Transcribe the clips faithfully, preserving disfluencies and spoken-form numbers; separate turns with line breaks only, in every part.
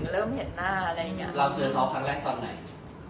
เริ่มเห็นหน้าอะไรอย่างเงี้ย
เราเจอเขาครั้งแรกตอนไหน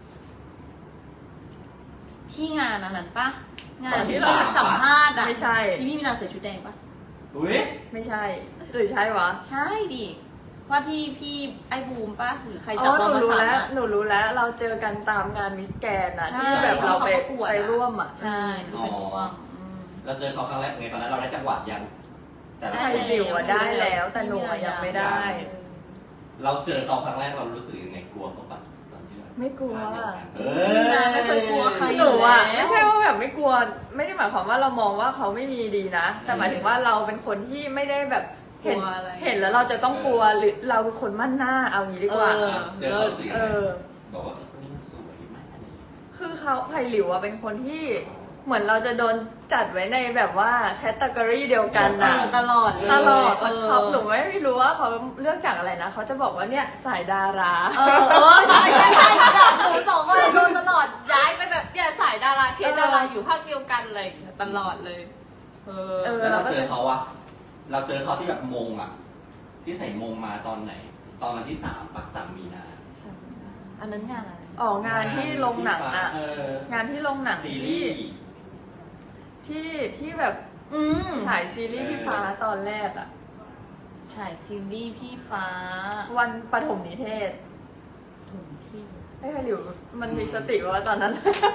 ที่งานอันนั้นปะงา
ต
น
อนที่
ที่
สาม
สัมภาษณ์อะ
ไม่ใช่
ที่พี่มีนาใส่ชุดแดงปะ
อุ้ย
ไม่ใช่หรือใช่วะ
ใช่ดิว่าที่พี่ไอ้บูมปะหรือใคร
อ๋
จับ
อห
เรา
นู
มา
รู้
สาม
แล้ว
อะ
หนูรู้แล้วเราเจอกันตามงานมิสแกนอะ
ใช่
ที่แบบเราไป
ที่เขาประกวดอะ
ไปร่วมอะ
ใช่หนูเป็นห่วงอืม
เราเจอเขาครั้งแรกไงตอนนั้นเราได้จังหวัดยังแต่ละ
ไทยดิวอะได้แล้วแต่หนูอะยังไม่ได้
เราเจอเขาครั้งแรกเรารู้สึกยังไงกลัวเขาปะตอนที่เรา
ไม่กลัว
เอ
พี่นาไม่เคยกลัวใคร
หนูอะไม่ใช่ว่าแบบไม่กลัวไม่ได้หมายความว่าเรามองว่าเขาไม่มีดีนะ แต่หมายถึงว่าเราเป็นคนที่ไม่ได้แบบเห็นเห็นแล้วเราจะต้องกลัวหรือเราเป็นคนมั่นหน้าเอางี้ดีกว่า
เจอเขาสิ
เออ
บอกว่าตัวนี้มันสวยมากอะไรอย่างเงี้ย
คือเขาไผ่หลิวอะเป็นคนที่เหมือนเราจะโดนจัดไว้ในแบบว่าแคตตากรีเดียวกัน
เอ
นะ
อตลอดเลย
ตลอด
เออ
เขาหนูไม่รู้ว่าเขาเลือกจากอะไรนะเขาจะบอกว่าเนี่ยสายดารา
เออเออใช่ใช่ใช่แบบหนูสองคนโดนตลอดย้ายไปแบบเนี่ยสายดาราเทสดาราอยู่ภาคเดียวกันเลยตลอดเลย เออ
เออ
แล้วเราเจอเขาอะเราเจอเขาที่แบบมงอะที่ใส่มงมาตอนไหน ตอนวันที่สามปะสามมีนา
อันนั้นงานอะไร
ออกงานที่โรงหนังอะ
เออง
านที่โรงหนัง
ซี
ที่
รีส์
ที่ที่แบบ
อืม
ฉายซีรีส์พี่ฟ้าตอนแรกอะ
ฉายซีรีส์พี่ฟ้า
วันปฐมนิเทศ
ถุงที่
ไอ้ไผ่หลิวมันมีสติป่ะวะตอนนั้น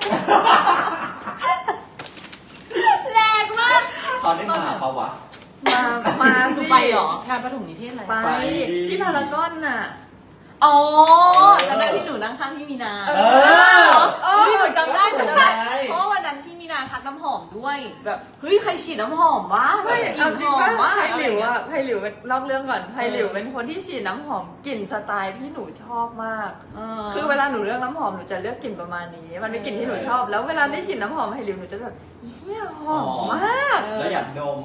แรงมาก
เขาได้มาเปล่าวะ
มามาสิ
ไปเหรองานประถมนิเทศอะไร
ไป
ไปดิ
ที่พารากอนน่ะ
อ๋อจำได้ที่หนูนั่งข้างพี่มีนา
เอ
เออพี่หนูจำได้หนูจำได้
ใช่
เพราะว่าวันนั้นพี่มีนาทักน้ำหอมด้วย แบบเฮ้ยใครฉีดน้ำหอมวะแบ
ไม่
บกลิ่
เอา
น
จริ
ห
ง
อ
ว่าม
มาก
ไผ่
อะ
ห
ไร
ลิว
เงี้ย
อะไผ่หลิวเป็นเล่าเรื่องก่อนไผ่หลิว
เออ
เป็นคนที่ฉีดน้ำหอมกลิ่นสไตล์ที่หนูชอบมาก
เอ
คือเวลาหนูเลือกน้ำหอมหนูจะเลือกกลิ่นประมาณนี้ มันเป็นกลิ่นที่หนูชอบ แล้วเวลาได้กลิ่นน้ำหอมไผ่หลิวหนูจะแบบเฮียหอมมาก
แล้วอยากดม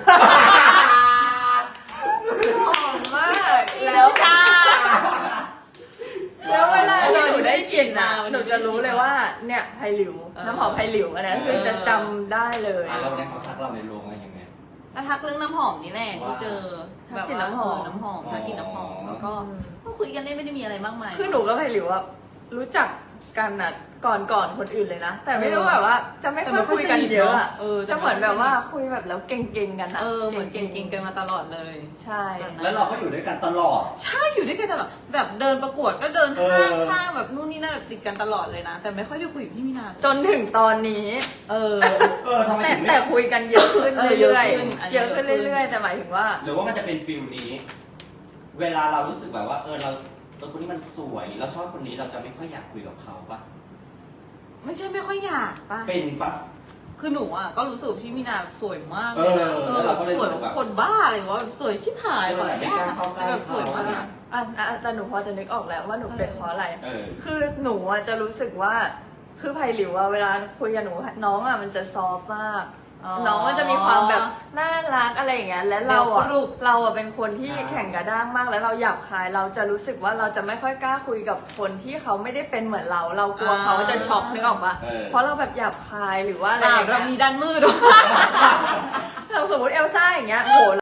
หอมมาก
แล้
แล้ว ว
จ้า
แล้วเวลาที่หนูได้กลิ่นนะ
วัน
ห
นี้
นูจะรู้เลยว่าเนี่ยไผ่หลิว
เออ
น้ำหอมไผ่หลิวอันนี้คือจะจำได้เลย
อ่ะแล้ววันนี้เขาทักเราในโรงอะไรยังไง
ก็ทักเรื่องน้ำหอมนี่แหละที่เจอ
ทั
แบ
ก
บ
กลิ่น
ว่า
น้ำหอม
เน้ำหอมทักกลินน้ำหอมแล้วก็
อืม
ก็คุยกันได้ไม่ได้มีอะไรมากมาย
คือหนูกับไผ่หลิวอะรู้จักกันอะก่อนก่อนคนอื่นเลยนะ แต่ไม่รู้แบบว่าจะไม่ค่อยคุยกันเยอะอะ
เออ
จะเหมือนแบบว่าคุยแบบแล้วเก่งๆกันอะ
เออเหมือนเก่งๆกันมาตลอดเลย
ใช่
แล้วเราก็อยู่ด้วยกันตลอด
ใช่อยู่ด้วยกันตลอดแบบเดินประกวดก็เดิน
เอ
ข้าง
อ
ข้างแบบนู่นนี่นั่นแบบติดกันตลอดเลยนะ แต่ไม่ค่อยได้คุยกับพี่มินา
จนถึงตอนนี้
เออ
เออทำไม
แต่
ถึงไม่
แต่คุยกันเยอะขึ้น
เออ
เรื่อย
เยอะขึ้นอัน
ๆ
นี้
เยอะขึ้น
เยอะขึ้น
เรื่อยๆ แต่หมายถึงว่า
หรือว่ามันจะเป็นฟิลนี้ เวลาเรารู้สึกแบบว่า เออเราเออคนนี้มันสวยเราชอบคนนี้เราจะไม่ค่อยอยากคุยกับเขาปะ
ไม่ใช่ไม่ค่อยอยากป่ะ
เป็นปะ
คือหนูอ่ะก็รู้สึกว่าพี่มินาสวยมากเลยนะ
เออแล้วเราก็เลย
สวย
รู้สึกแบบ
คนบ้าอะไรวะแบบสวยชิบหาย
เออ
แบบ
ไม่กล้าเข้าใกล้
แต่แบบสวยมาก
เขา
อ่ะอ่ะแต่หนูพอจะนึกออกแล้วว่าหนูเป็นเพราะอะไร
เออ
คือหนูอะจะรู้สึกว่า คือไผ่หลิวอะเวลาคุยกับหนูน้องอะมันจะซอฟต์มาก น้องมันจะมีความแบบน่ารักอะไรอย่างเงี้ย และเราอะ
แบบรูป
เราอะเป็นคนที่
อ่า
แข่งกระด้างมาก แล้วเราหยาบคาย เราจะรู้สึกว่าเราจะไม่ค่อยกล้าคุยกับคนที่เขาไม่ได้เป็นเหมือนเรา เรากลัวเขาจะช็อกนึกออกปะ
เออ
เพราะเราแบบหยาบคายหรือว่าอะไร
อ่า
อย่าง
เรา
เงี้ย
มีด้านมืดด้วย
เราสมมติเอลซ่าอย่างเงี้ยโห